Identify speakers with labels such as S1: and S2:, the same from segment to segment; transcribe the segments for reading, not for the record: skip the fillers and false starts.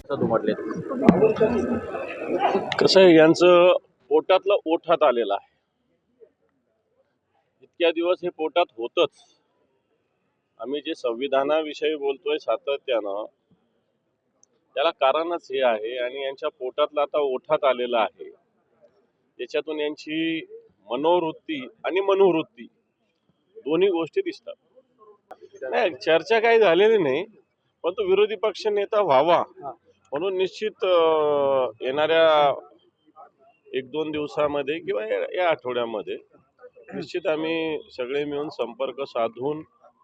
S1: दुमडले.
S2: कसं आहे, यांचं पोटातलं ओठात आलेलं आहे. इतक्या दिवस हे पोटात होतच. आम्ही जे संविधानाविषयी बोलतोय सातत्यानं, त्याला कारणच हे आहे. आणि यांच्या पोटातलं आता ओठात आलेलं आहे. त्याच्यातून यांची मनोवृत्ती आणि मनोवृत्ती दोन्ही गोष्टी दिसतात. नाही, चर्चा काही झालेली नाही, पण तो विरोधी पक्ष नेता व्हावा म्हणून निश्चित येणाऱ्या 1-2 दिवसामध्ये किंवा या आठवड्यामध्ये निश्चित आम्ही सगळे मिळून संपर्क साधून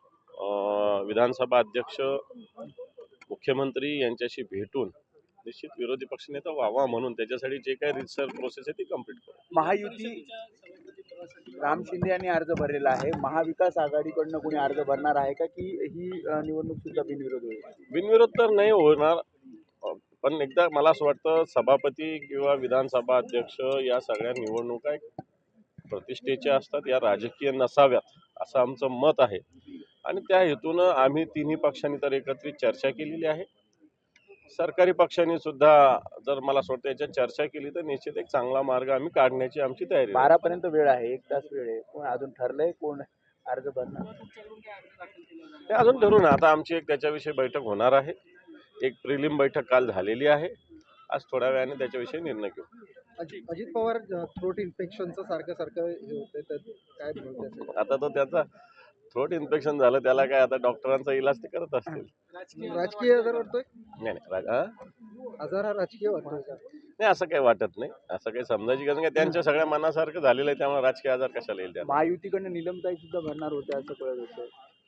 S2: विधानसभा अध्यक्ष, मुख्यमंत्री यांच्याशी भेटून निश्चित विरोधी पक्षनेता व्हावा म्हणून त्याच्यासाठी जे काही रिसर्च प्रोसेस आहे ती कंप्लीट करू.
S3: महायुती राम शिंदे यांनी अर्ज भरलेला आहे. महाविकास आघाडीकडनं कोणी अर्ज भरणार आहे का, की ही निवडणूक सुद्धा बिनविरोध होईल?
S2: बिनविरोध तर नाही होणार, पण एकदा मला असं वाटतं सभापती किंवा विधानसभा अध्यक्ष या सगळ्या निवडणुका प्रतिष्ठेच्या असतात, या राजकीय नसाव्यात असं आमचं मत आहे. आणि त्या हेतूनं आम्ही तिन्ही पक्षांनी तर एकत्रित चर्चा केलेली आहे. सरकारी पक्षांनी सुद्धा जर मला असं वाटतं याच्यात चर्चा केली तर निश्चित एक चांगला मार्ग आम्ही काढण्याची आमची तयारी आहे.
S3: 12 पर्यंत वेळ आहे, 1 तास वेळ आहे. कोण अजून ठरलंय कोण अर्ज भरणार?
S2: ते अजून ठरवून आता आमची एक त्याच्याविषयी बैठक होणार आहे. एक प्रिलिम बैठक काल झालेली आहे. आज थोड्या वेळाने त्याच्याविषयी निर्णय घेऊ.
S4: अजित पवार थ्रोट इन्फेक्शनचं सारखं हे होतंय, तर काय बोलतोय?
S2: आता तो त्याचा थ्रोट इन्फेक्शन झालं, त्याला काय आता डॉक्टरांचा इलाज ते करत असतील.
S4: राजकीय आजार वाटतोय?
S2: नाही
S4: आजार हा राजकीय वाटतोय का?
S2: नाही, असं काही वाटत नाही. असं काही समजायची गरज नाही. त्यांच्या सगळ्या मनासारखं झालेलं आहे, त्यामुळे राजकीय आजार कशाला येईल त्याला.
S3: महायुतीकडनं निलमताई सुद्धा भरणार होत्या असं कळत होतं.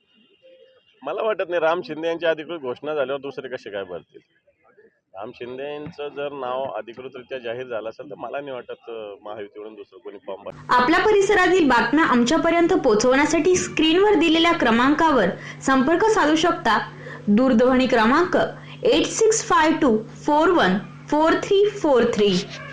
S2: मला वाटत नाही. राम शिंदे यांची अधिकृत घोषणा झाल्यावर दुसरे कसे काय भरतील. राम शिंदे यांचं जर नाव अधिकृतरित्या जाहीर झालं असेल तर मला नाही वाटत महायुतीवरून दुसरं कोणी फॉर्म भरेल.
S5: आपल्या परिसरातील बातम्या आमच्यापर्यंत पोहोचवण्यासाठी स्क्रीनवर दिलेल्या क्रमांकावर संपर्क साधू शकता. दूरध्वनी क्रमांक 8652414343.